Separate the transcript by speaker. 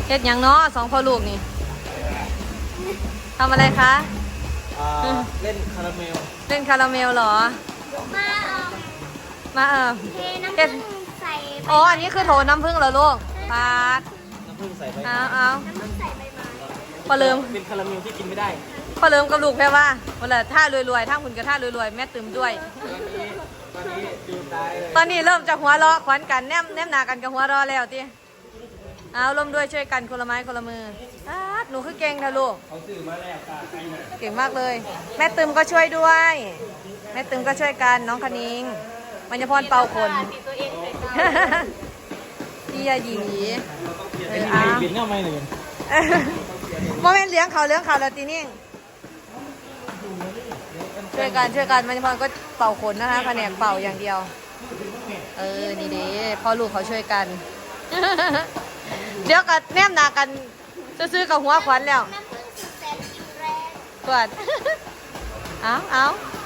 Speaker 1: เฮ็ดหยังเนาะสองพ่อลูกนี่ทำอะไรคะ
Speaker 2: เล่นคาราเมล
Speaker 1: เล่นคาราเมลเหรอมา
Speaker 3: เทน้ำผึ้งใส่
Speaker 1: อ๋ออันนี้คือโถน้ำผึ้งเหรอลูกปาด
Speaker 2: น้ำผึ้งใส่ใบไม้
Speaker 1: เอา
Speaker 3: น้ำผึ้งใส่ใบไม้
Speaker 1: พอเริ่ม
Speaker 2: เป็นคาราเมลที่กินไม่ได้
Speaker 1: พอเริ่มกับลูกแค่ว่าเวลาท่ารวยๆท่าคุณกับท่ารวยๆแม่ตื่มด้วย
Speaker 2: ตอนนี้ดูตายเลย
Speaker 1: ตอนนี้เริ่มจากหัวเราะขวัญกันแนมหนากันกับหัวเราะแล้วทีเอาร่วมด้วยช่วยกันคนละไม้คนละมือหนูคือเก่งค่ะลูก
Speaker 2: เขาซื้อมาแล้วตาใครเนี่ย
Speaker 1: เก่งมากเลย แม่ตึมก็ช่วยด้วยแม่ตึมก็ช่วยกันน้องคณิงมัญญพรเป่าคนพี่ยาหยี
Speaker 2: กินเงาไม่เลย
Speaker 1: โมเมนต์เลี้ยงเขาแล้วทีนี้ช่วยกันมัญญพรก็เป่าขนนะคะแผนกเป่าอย่างเดียวนี่เด้พ่อลูกเขาช่วยกันเดี๋ยวกับแนมหนากันซื้อกับหัวขวัญแล้ว
Speaker 3: น้ำผึ้งสุดแสนกินแรง
Speaker 1: กวดเอา